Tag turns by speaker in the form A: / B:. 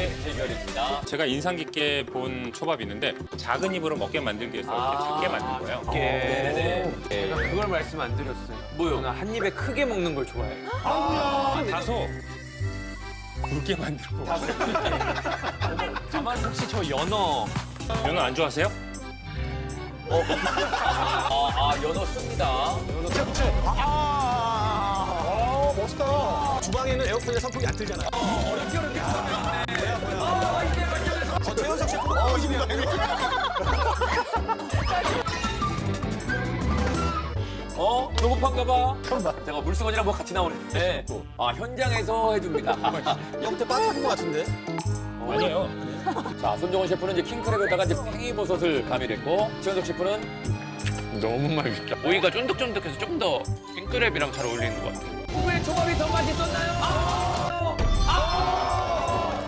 A: 초밥의 대결입니다.
B: 제가 인상 깊게 본 초밥이 있는데 작은 입으로 먹게 만들기 위해서 이렇게 작게 만든 거예요.
A: 네네.
C: 제가 그걸 말씀 안 드렸어요.
A: 뭐요?
C: 저는 한 입에 크게 먹는 걸 좋아해요.
B: 다소 굵게 만들고.
C: 다만 혹시 저 연어
B: 연어 안 좋아하세요?
A: 연어 씁니다.
D: 멋있다. 주방에는 에어컨이나 선풍기 안 틀잖아요. 최현석 셰프.
A: 배고픈가 봐. 제가 물수건이랑 뭐 같이 나오는데 현장에서 해줍니다.
D: 형태 빠진 것 같은데?
B: 아니에요.
A: 자, 손정원 셰프는 이제 킹크랩에다가 이제 팽이버섯을 가미했고 최현석 셰프는
C: 너무 맛있다. 오이가 쫀득쫀득해서 좀 더 킹크랩이랑 잘 어울리는 것 같아요.
A: 누구의 초밥이 더 맛있었나요?